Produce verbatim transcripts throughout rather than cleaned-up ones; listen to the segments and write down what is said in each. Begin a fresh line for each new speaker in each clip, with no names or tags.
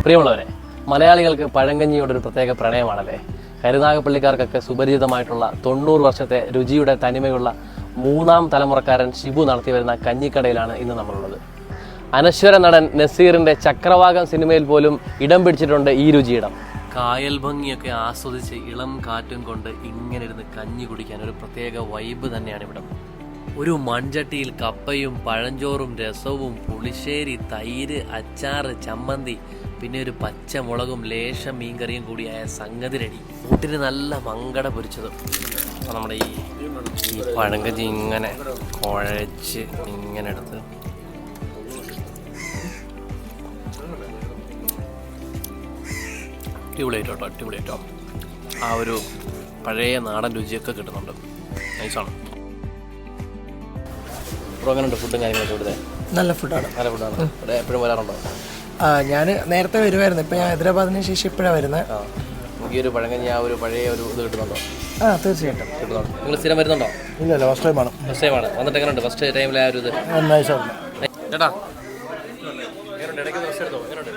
പ്രിയമുള്ളവരെ, മലയാളികൾക്ക് പഴങ്കഞ്ഞിയോടൊരു പ്രത്യേക പ്രണയമാണല്ലേ. കരുനാഗപ്പള്ളിക്കാർക്കൊക്കെ സുപരിചിതമായിട്ടുള്ള തൊണ്ണൂറ് വർഷത്തെ രുചിയുടെ തനിമയുള്ള മൂന്നാം തലമുറക്കാരൻ ഷിബു നടത്തി വരുന്ന കഞ്ഞിക്കടയിലാണ് ഇന്ന് നമ്മളുള്ളത്. അനശ്വര നടൻ നസീറിന്റെ ചക്രവാകം സിനിമയിൽ പോലും ഇടം പിടിച്ചിട്ടുണ്ട് ഈ രുചിയിടം. കായൽ ഭംഗിയൊക്കെ ആസ്വദിച്ച് ഇളം കാറ്റും കൊണ്ട് ഇങ്ങനെ ഇരുന്ന് കഞ്ഞി കുടിക്കാൻ ഒരു പ്രത്യേക വൈബ് തന്നെയാണ് ഇവിടം. ഒരു മൺചട്ടിയിൽ കപ്പയും പഴഞ്ചോറും രസവും പുളിശ്ശേരി, തൈര്, അച്ചാറ്, ചമ്മന്തി, പിന്നെ ഒരു പച്ചമുളകും ലേശം മീൻകറിയും കൂടിയായ സംഗതി റെഡി. കൂട്ടിന് നല്ല മങ്കട പൊരിച്ചതും. അപ്പോൾ നമ്മുടെ ഈ ഈ പഴങ്കഞ്ഞി ഇങ്ങനെ കുഴച്ച് ഇങ്ങനെ എടുത്ത് അടിപൊളിയായിട്ടോ അടിപൊളിയായിട്ടോ ആ ഒരു പഴയ നാടൻ രുചിയൊക്കെ കിട്ടുന്നുണ്ട്. നൈസാണ്. ഇപ്പോൾ അങ്ങനെയുണ്ട് ഫുഡും കാര്യങ്ങളൊക്കെ ഇവിടുത്തെ?
നല്ല ഫുഡാണ്.
നല്ല ഫുഡാണ്. ഇവിടെ എപ്പോഴും വരാറുണ്ടോ?
ആ, ഞാൻ നേരത്തെ വരുമായിരുന്നു. ഇപ്പം ഞാൻ ഹൈദരാബാദിന് ശേഷം ഇപ്പോഴാണ് വരുന്നത്.
ആ, നമുക്ക് ഈ ഒരു പഴങ്കഞ്ഞി ആ ഒരു പഴയ ഒരു ഇത് കിട്ടുന്നുണ്ടോ?
ആ, തീർച്ചയായിട്ടും
കിട്ടുന്നുണ്ട്. നിങ്ങൾ സ്ഥിരം വരുന്നുണ്ടോ?
ഇല്ല ഇല്ല ഫസ്റ്റ് ടൈമാണ്.
ഫസ്റ്റ് ടൈമാണ്. വന്നിട്ട് എങ്ങനെയുണ്ട് ഫസ്റ്റ് ടൈമിലെ ആ ഒരു ഇത്?
നൈസാണ്
ചേട്ടാ. എങ്ങനെയുണ്ട്? ഇടയ്ക്ക് ഫസ്റ്റ് എടുത്തോ? എങ്ങനെയുണ്ട്?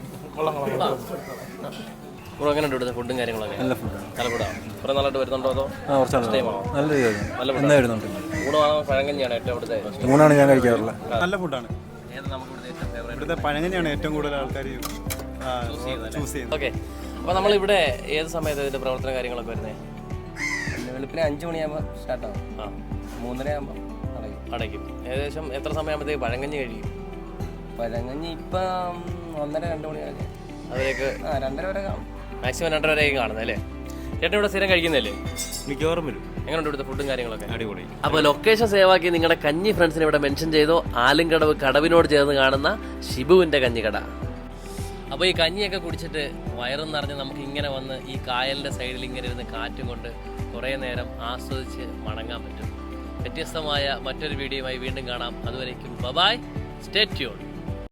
ഇപ്പോൾ എങ്ങനെയുണ്ട് ഇവിടുത്തെ ഫുഡും കാര്യങ്ങളൊക്കെ? നല്ല ഫുഡാണ്. നല്ല ഫുഡാണ്. കുറേ നാളായിട്ട് വരുന്നുണ്ടോ അതോ ഫസ്റ്റ് ടൈമാണോ? നല്ല നല്ല ഫുഡ് വരുന്നുണ്ട്. ഊണാണോ പഴങ്കഞ്ഞിയാണ് ഏറ്റവും ഇവിടുത്തെ?
ഊണാണ് ഞാൻ കഴിക്കാറുള്ളത്.
നല്ല ഫുഡാണ്.
ഏത് നമുക്ക് ഇവിടുത്തെ ഏറ്റവും ഫേവറേറ്റ്?
ഇവിടുത്തെ പഴങ്കഞ്ഞിയാണ് ഏറ്റവും കൂടുതൽ ആൾക്കാർ ചൂസ് ചെയ്യുന്നത്.
ഓക്കെ. അപ്പോൾ നമ്മളിവിടെ ഏത് സമയത്ത് ഇതിൻ്റെ പ്രവർത്തന കാര്യങ്ങളൊക്കെ വരുന്നത്? വെളുപ്പിനെ അഞ്ച് മണിയാകുമ്പോൾ സ്റ്റാർട്ടാകും. ആ, മൂന്നര ആകുമ്പോൾ അടയ്ക്കും. അടയ്ക്കും. ഏകദേശം എത്ര സമയമാകുമ്പോഴത്തേക്ക് പഴങ്കഞ്ഞി കഴിയും? പഴങ്കഞ്ഞി ഇപ്പം ഒന്നര രണ്ട് മണിയാകും. അതിലേക്ക് ആ രണ്ടര വരെ കാണും. മാക്സിമം രണ്ടര വരെയൊക്കെ കാണുന്നത് അല്ലേ? ചേട്ടൻ ഇവിടെ സ്ഥിരം കഴിക്കുന്നതല്ലേ?
മിക്കവാറും വരും.
എങ്ങനെയുണ്ട് ഇവിടുത്തെ ഫുഡും കാര്യങ്ങളൊക്കെ?
അടിപൊളി.
അപ്പോൾ ലൊക്കേഷൻ സേവാക്കി നിങ്ങളുടെ കഞ്ഞി ഫ്രണ്ട്സിനെ ഇവിടെ മെൻഷൻ ചെയ്തോ. ആലുംകടവ് കടവിനോട് ചേർന്ന് കാണുന്ന ഷിബുവിൻ്റെ കഞ്ഞിക്കട. അപ്പോൾ ഈ കഞ്ഞിയൊക്കെ കുടിച്ചിട്ട് വയറും നിറഞ്ഞ് നമുക്ക് ഇങ്ങനെ വന്ന് ഈ കായലിൻ്റെ സൈഡിൽ ഇങ്ങനെ ഇരുന്ന് കാറ്റും കൊണ്ട് കുറേ നേരം ആസ്വദിച്ച് മടങ്ങാൻ പറ്റും. വ്യത്യസ്തമായ മറ്റൊരു വീഡിയോയുമായി വീണ്ടും കാണാം. അതുവരേക്കും ബൈ, സ്റ്റേ ട്യൂൺ.